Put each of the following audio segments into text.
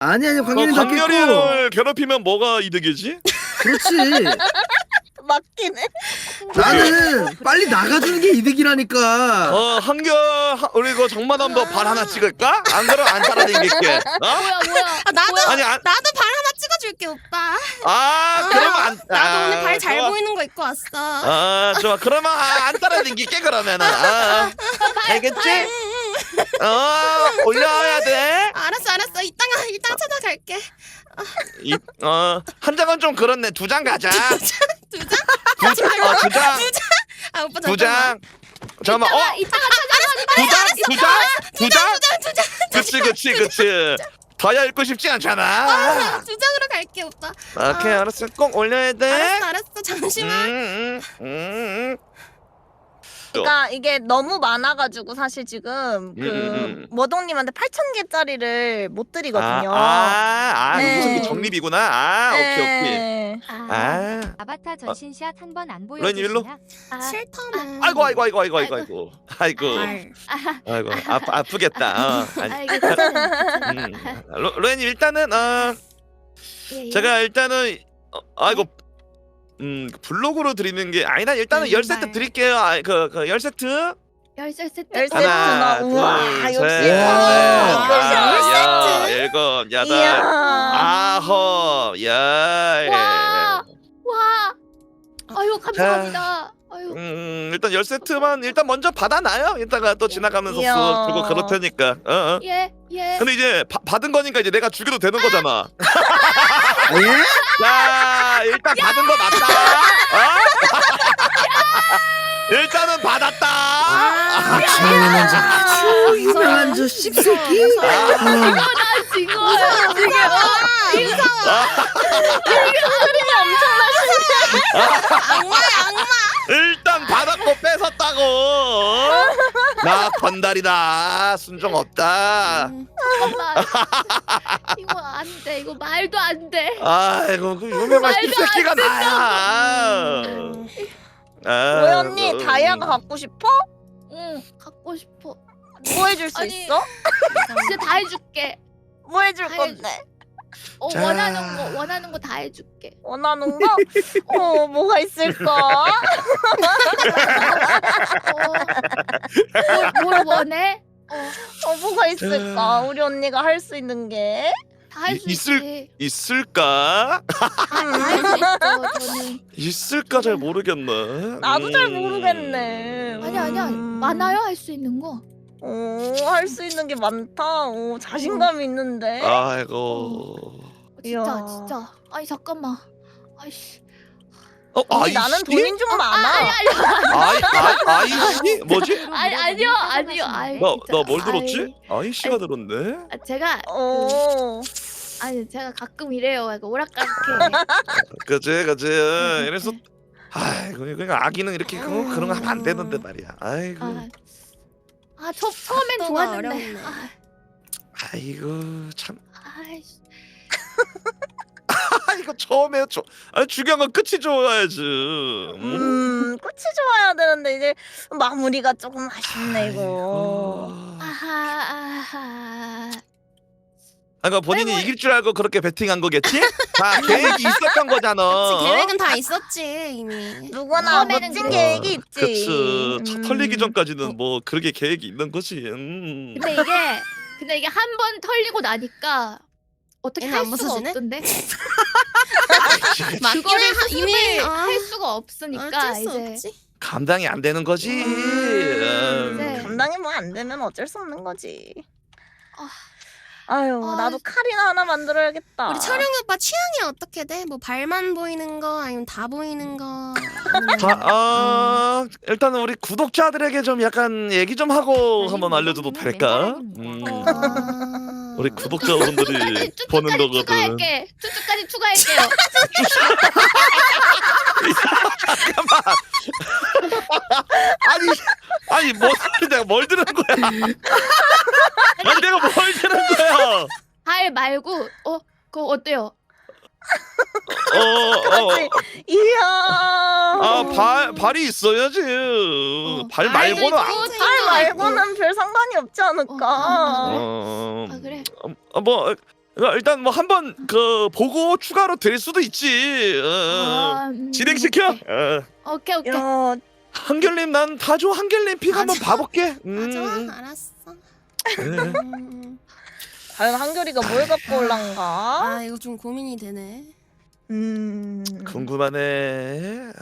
아니 광렬이 더 깼고. 광렬이를 괴롭히면 뭐가 이득이지? 그렇지. 맞긴 해. 나는 빨리 나가주는 게 이득이라니까. 우리 그 정마담 발 하나 찍을까? 안 그럼 안 따라다니게. 뭐야? 나도 아니 나도 발 하나 찍어줄게 오빠. 그러면 안. 나도 오늘 발 잘 좋아. 보이는 거 입고 왔어. 좋아. 그러면 안 따라다니게 그러면은. 알겠지? 올려야 돼. 알았어. 이따가 찾아갈게. 한 장은 좀 그렇네. 두 장 가자. 두 장? 두 장. 아 오빠 두 잠깐만. 장. 잠깐만. 이따가 두 장. 그치. 더야 읽고 싶지 않잖아. 두 장으로 갈게 오빠. 오케이, 알았어. 꼭 올려야 돼. 알았어. 잠시만. 그러니까 이게 너무 많아가지고 사실 지금 그 머동님한테 8,000개짜리를 못 드리거든요. 네. 무슨 정립이구나. 오케이. 아바타 전신샷 한 번 안 로엔님 일로. 보여주시나? 싫다면. 아이고. 아프겠다. 로엔님 일단은 제가 일단은 블록으로 드리는 게 아니다. 일단은 10세트 드릴게요. 그 10세트. 10세트. 10세트. 하나, 우와, 둘, 역시. 셋, 와, 넷, 일곱, 여덟, 이야. 아홉, 열. 와. 아유 감사합니다. 아유. 일단 10세트만 일단 먼저 받아놔요. 이따가 또 지나가면서 이야. 쓱 들고 그럴 테니까. 예. 근데 이제 받은 거니까 이제 내가 죽여도 되는 거잖아. 예? 자, 일단 받은 거 맞다. 일단은 받았다. 아주 유명한 저 씹새끼. 지금 악마야. 일단 받았고 뺏었다고. 나 건달이다. 순종 없다. 잠깐만. 이거 안 돼. 이거 말도 안 돼. 아이고 그 유명한 말도 씹새끼가 나야. 왜 언니 다이아가 갖고 싶어? 응, 갖고 싶어. 뭐 해줄 수 아니. 있어? 진짜 다 해줄게. 뭐 해줄 다 건데? 자. 원하는 거 다 해줄게. 원하는 거? 뭐가 있을까? 뭘 원해? 뭐가 있을까? 우리 언니가 할 수 있는 게? 다 할 수 있을- 있지. 있을까? 다 할 수 있어. 저는. 있을까 잘 모르겠네. 나도 잘 모르겠네. 아니야. 많아요 할 수 있는 거. 할 수 있는 게 많다. 자신감이 있는데. 아이고. 이야. 진짜. 아니 잠깐만. 아이씨. 언니, 나는 돈이 좀 많아. 아이씨? 뭐지? 아니요. 아이, 진짜. 나 뭘 들었지? 아이. 아이씨가 들었네. 제가 제가 가끔 이래요. 약간 오락가락해. 그치. 이래서 아이고 그러니까 아기는 이렇게 그런 거 하면 안 되는데 말이야. 아이고. 처음엔 각도가 좋았는데. 어렵네. 아이고 참. 아이씨. 이거 처음에 중요한 건 끝이 좋아야지. 끝이 좋아야 되는데 이제 마무리가 조금 아쉽네 이거. 아하. 그러니까 본인이 이길 줄 알고 그렇게 베팅한 거겠지? 다 계획이 있었던 거잖아. 그치, 계획은 다 있었지 이미. 누구나 처음에는 멋진 그래. 계획이 있지. 그치. 차 털리기 전까지는 뭐 그렇게 계획이 있는 거지. 근데 이게 한 번 털리고 나니까 어떻게 얘는 할 안 수가 벗어지네? 없던데. 맞기는 그거를 이미 할 수가 없으니까 어쩔 수 이제 없지. 감당이 안 되는 거지. 네. 감당이 뭐 안 되면 어쩔 수 없는 거지. 아. 아유, 나도 칼이나 하나 만들어야겠다. 우리 철영이 오빠 취향이 어떻게 돼? 뭐 발만 보이는 거 아니면 다 보이는 거? 자, 일단은 우리 구독자들에게 좀 약간 얘기 좀 하고 한번 알려줘도 될까? 우리 구독자분들이 보는 거거든. 추가할게. 쭈쭈까지 추가할게요. 아니 내가 뭘 들은 거야? 아니 내가 뭘 들은 거야? 발 말고 그거 어때요? 그렇지. 이야. 발이 있어야지. 발 말고는 발 말고는 별 상관이 없지 않을까. 그래. 뭐 일단 뭐 한번 그 보고 추가로 될 수도 있지. 진행시켜. 오케이. 야, 한결님 난 다줘. 한결님 픽 한번 맞아. 봐볼게. 좋아 알았어. 네. 과연 한결이가 뭘 갖고 올란가? 아 이거 좀 고민이 되네. 궁금하네.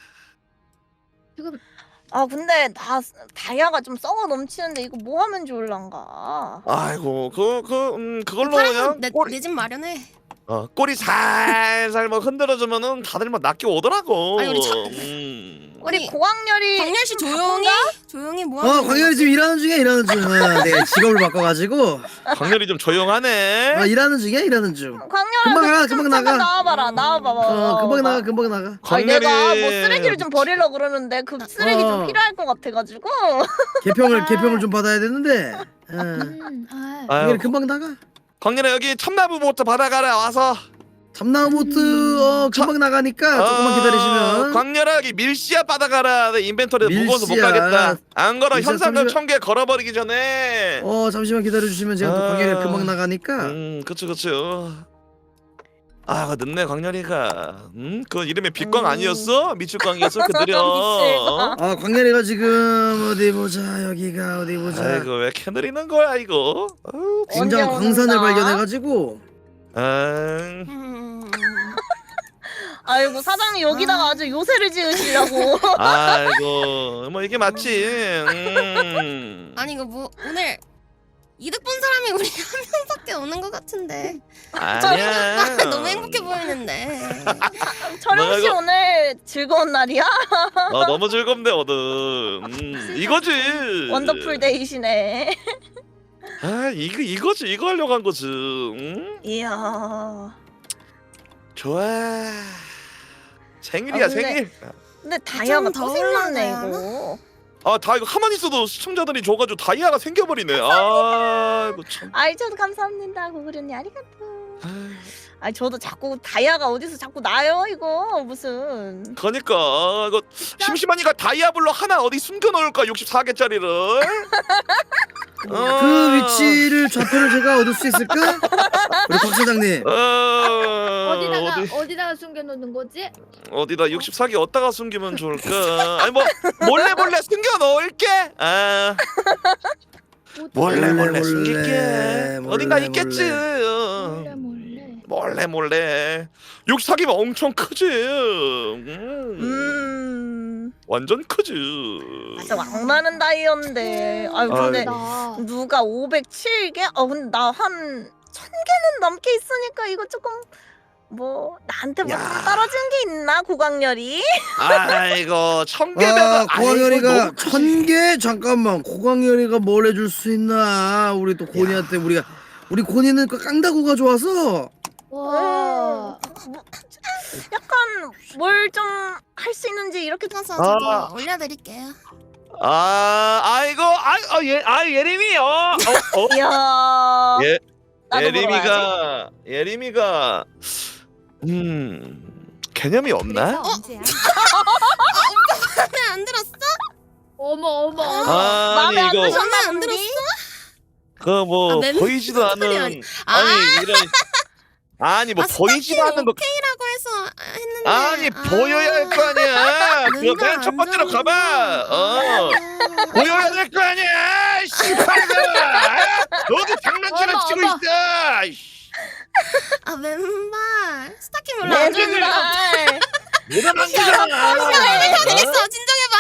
지금 아 근데 다이아가 좀 썩어 넘치는데 이거 뭐 하면 좋을란가? 아이고 그걸로 그냥 내 집 마련해. 꼬리 살살 뭐 흔들어주면은 다들 막 낚여 오더라고. 아니, 우리 우리 아니, 고학렬이 광렬 씨 조용히 뭐 하는 거야? 광열이 지금 일하는 중이야 내가 직업을 바꿔가지고 광렬이 좀 조용하네. 일하는 중이야 일하는 중. 광렬아 금방 그 나가, 좀 금방 잠깐 나가. 나와봐라 나와봐봐. 금방 나가. 아니 내가 뭐 쓰레기를 좀 버리려고 그러는데 그 쓰레기 좀 어. 필요할 것 같아가지고. 개평을 좀 받아야 되는데. 아유, 금방 나가. 광렬아 여기 참나무부터 받아가라 와서. 참나무보트 금방 나가니까 조금만 기다리시면. 광렬아 여기 밀씨앗 받아가라. 내 인벤토리 무거워서 못 밀씨앗. 가겠다. 안 걸어 밀씨앗 현상금 잠시만. 1000개 걸어버리기 전에. 잠시만 기다려주시면 제가 또 광열이가 금방 나가니까. 그쵸. 아 늦네 광렬이가. 그 이름이 빛광 아니었어? 미칠광이었어? 그 느려. 광열이가 지금 어디 보자 여기가 어디 보자. 아이고 왜 이렇게 느리는 거야 이거. 굉장한 언제 광산을 오는가? 발견해가지고. 아이고 사장님 여기다가 아주 요새를 지으시려고. 아이고 뭐 이게 맞지. 아니 이거 뭐 오늘 이득 본 사람이 우리 한 명밖에 없는 것 같은데. 아니야. 너무 행복해 보이는데. 철영 씨 이거- 오늘 즐거운 날이야? 너무 즐겁네 오늘. 이거지. 원더풀 데이시네. 이거지 이거 하려고 한 거지. 이야. 좋아. 생일이야 근데- 생일. 근데 다이아가 더 또 생겼네 올라가야 이거. 다 이거 가만히 있어도 시청자들이 줘가지고 다이아가 생겨버리네. 이거 참. 아이 저도 감사합니다 고구려님 아리가또. 아이 저도 자꾸 다이아가 어디서 자꾸 나요 이거 무슨. 그러니까 이거 심심하니까 다이아블로 하나 어디 숨겨놓을까 64개짜리를. 그 위치를 좌표를 제가 얻을 수 있을까? 우리 박 사장님. 어디다가 숨겨놓는 거지? 어디다 64개 어디다가 숨기면 좋을까? 아니 뭐 몰래 숨겨 놓을게. 몰래 숨길게. 어딘가 있겠지. 몰래. 64개면 엄청 크지. 완전 크지. 진짜 왕많은 다이아인데. 아유 근데 나 누가 507개? 근데 나 한 1000개는 넘게 있으니까 이거 조금 뭐 나한테 뭐 야. 떨어진 게 있나 고강렬이? 아이고 1000개면 고광열이가 1000개? 잠깐만 고광열이가 뭘 해줄 수 있나. 우리 또 고니한테 우리 고니는 그 깡다구가 좋아서. 와. 뭐, 약간 뭘 좀 할 수 있는지 이렇게 좀. 그래서 저도 올려드릴게요. 예림이 이야. 나도 보러 와야지. 예림이가 개념이 없나? 언제야? 마음에 안 들었어? 어머. 마음에 안 이거 드셨나 안 본데? 그 뭐 맴- 보이지도 무슨 소리야, 않은 아니. 아니 뭐 보이지도 않는 거 오케이라고 해서 했는데. 아니 보여야 할 거 아니야. 그거 눈가 맨 첫 안 번째로 좋은데. 가봐. 보여야 될 거 아니야. 씨발아. 너도 장난치나 어머, 치고 어머. 있어. 아 왼발 스타킹 별로 내 안 좋은데. 눈알. 내가 만지잖아. 되겠어 진정해봐.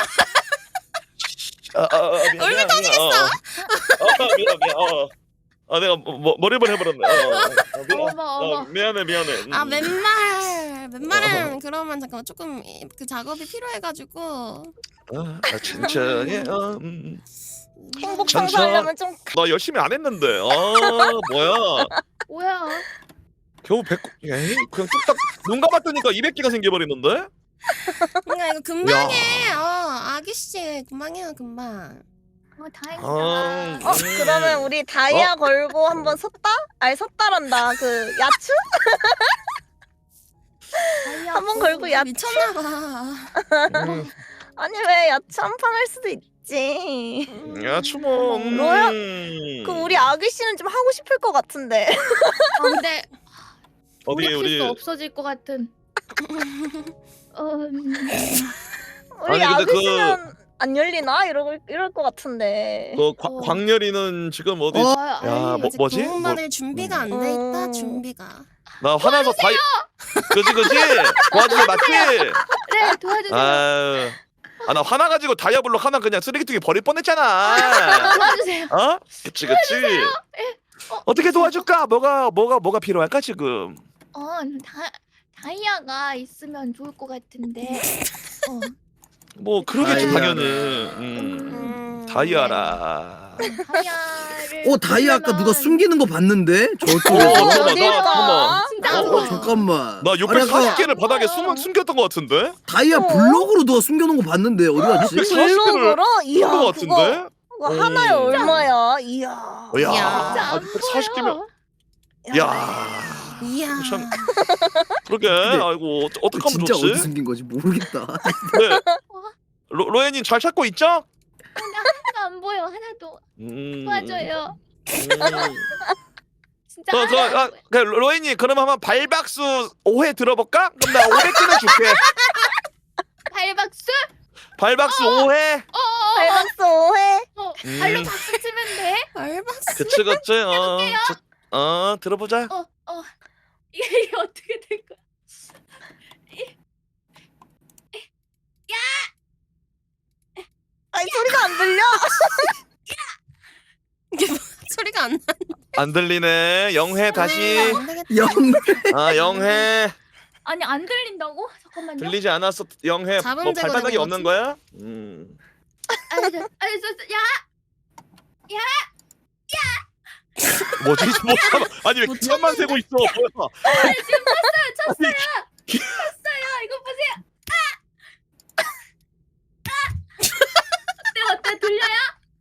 얼굴 터지겠어. 미안. 내가 머리를 해버렸네. 어머. 미안해. 아 왼발은 그러면 잠깐만 조금 그 작업이 필요해가지고. 천천히. 행복 천천. 청소하려면 좀. 나 열심히 안 했는데. 뭐야? 뭐야? 겨우 100. 에이, 그냥 뚝딱 눈 감았더니까 200개가 생겨버리는데? 그러니까 이거 금방 해. 아기씨 금방 해요 금방. 다행이다. 그러면 우리 다이아 걸고 한번 섰다? 아니 섰다란다. 그 야추? 한번 걸고 야추. 미쳤나봐. 아니 왜 야채 한 판 할 수도 있지. 있지. 야 추모. 로야, 그럼 우리 아기 씨는 좀 하고 싶을 것 같은데. 아 근데 어디 우리 우리 없어질 것 같은. 우리 아니, 근데 아기 씨는 안 열리나? 이럴 것 같은데. 광렬이는 지금 어디? 어? 야, 아직 뭐지? 도움받을 준비가 안 돼 있다. 준비가. 나 화나서 그지 도와주세요 맞지? 네 도와주세요. 나 화나가지고 다이아블록 하나 그냥 쓰레기통에 버릴 뻔했잖아. 도와주세요. 어? 그치. 어떻게 도와줄까? 뭐가 필요할까 지금? 다이아가 있으면 좋을 것 같은데. 뭐 그러겠지 다이아라. 당연히. 다이아라. 다이아를. 다이아 아까 누가 숨기는 거 봤는데 저쪽에서. 잠깐만, 어딜까? 진짜. 잠깐만. 나 아니, 아까 640개를 바닥에 숨겼던 것 같은데? 다이아 블럭으로 누가 숨겨놓은 거 봤는데 어디 갔지? 640 블록으로? 이야, 것 같은데? 그거 하나에 얼마야? 이야. 야, 진짜 안 640개면 야. 이야. 참 그러게. 아이고 어떡하면 진짜 좋지? 어디 숨긴 거지 모르겠다. 네. 로엔님 잘 찾고 있죠? 하나도 안 보여. 하나도. 도와줘요. 진짜 하나도 안 보여. 로엔님 그럼 한번 발박수 5회 들어볼까? 그럼 나 500개는 줄게. 발박수? 발박수 5회. 발박스 5회. 발로 박수 치면 돼? 알박스. 그치. 들어보자. 이게 어떻게 된 거야? 아니, 소리가 안 들려? 이게 뭐 소리가 안 나. 안 들리네. 0회 다시. 안 되겠다. 영. 0회. 아니 안 들린다고? 잠깐만요. 들리지 않았어. 0회. 자동 뭐 제거되는 발바닥이 거지? 없는 거야? 야! 뭐지? 잠깐만. 아니 왜 못 기만만 세고 있어? 뭐야? 쳤어요. 이거 보세요. 어때? 들려요?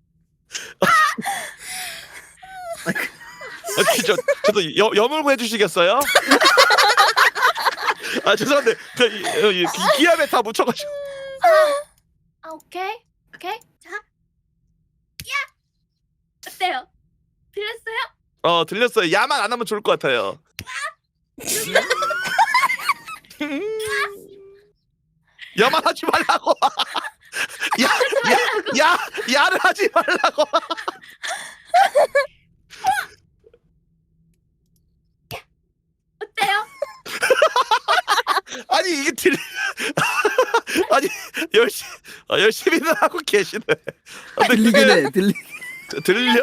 저도 여물고 해주시겠어요? 죄송한데 기압에 다 묻혀가지고. 오케이. 자. 어때요? 들렸어요? 들렸어요. 야만 안 하면 좋을 것 같아요. 야만 하지 말라고. 야를 하지 말라고. 어때요? 아니 이게 아니 열심히는 하고 계시네. 들리긴 해. 들려요?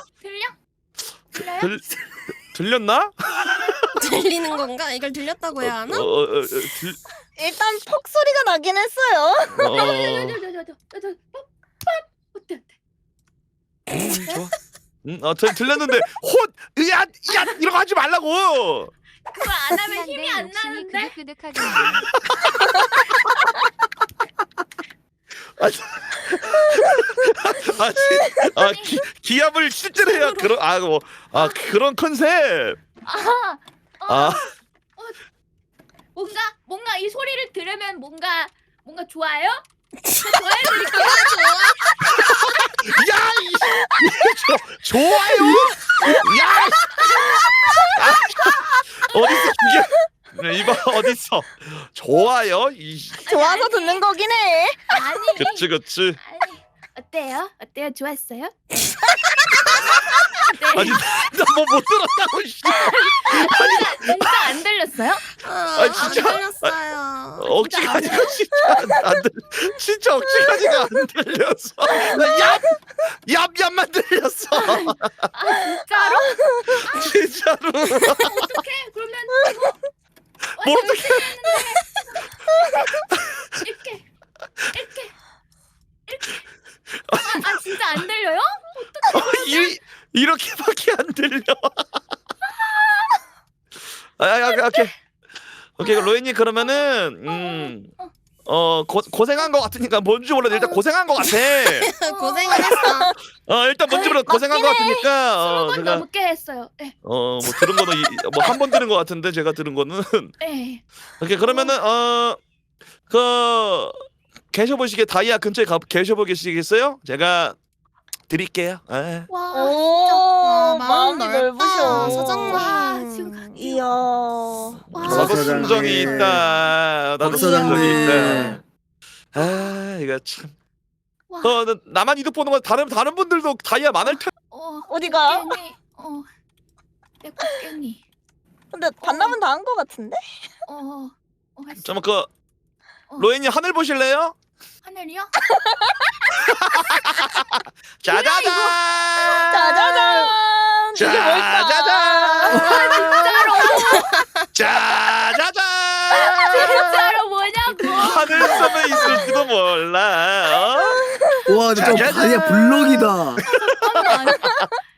들렸나? 들리는 건가? 이걸 들렸다고 해야 하나? 일단 퍽 소리가 나긴 했어요. 어때? 좋아. 들렸는데 야 이런 거 하지 말라고. 그거 안 하면 힘이 안 욕심이 나는데? 그득그득하게 기압을 실제로 해야 그런 컨셉. 뭔가 이 소리를 들으면 뭔가 좋아요? 좋아해드릴게요. 좋아요. 야 어딨어 이게 이봐 어딨어 좋아요 좋아서 듣는 거긴 해. 그치 아니, 어때요? 좋았어요? 아니 나 뭐 못 들었다고. 진짜 안 들렸어요? 안 진짜? 들렸어요. 억지가 아니라 진짜 억지가 안 들렸어. 얍얍만 들렸어. 진짜로? 진짜로. 어떡해? 그러면 이거 뭘 어떻게 이렇게 진짜 안 들려요? 이렇게밖에 안 들려. 오케이 로엔님 그러면은 고생한 것 같으니까 뭔지 몰라도 일단 고생한 것 같아. 고생을 했어. 일단 뭔지 몰라도 고생한 것 같으니까 20번 제가 넘게 했어요. 네. 뭐 들은 거는 뭐 한 번 들은 것 같은데 제가 들은 거는 네. 오케이 그러면은 계셔보시게 다이아 근처에 계셔보시겠어요? 제가 드릴게요. 아. 와. 오, 마음 마음이 넓다, 넓으셔. 서장님. 와 지금 갈게요. 이야. 와. 나도 사장님. 순정이 있다. 나도 사장님. 순정이 있다. 아 이거 참. 와. 나만 이득 보는 건 다른 분들도 다이아 많을 텐데. 어디가? 꽃게니. 내 꽃게니. 근데 반납은 다 한 거 같은데? 했어. 잠깐 그 로엔님 하늘 보실래요? 하늘이요? 짜자잔. 짜자잔. 이게 뭘까? 짜자잔. 진짜로 뭐냐고. 하늘 섬에 있을지도 몰라. 와 근데 저 짜자잔. 다이아 블록이다. 잠깐만.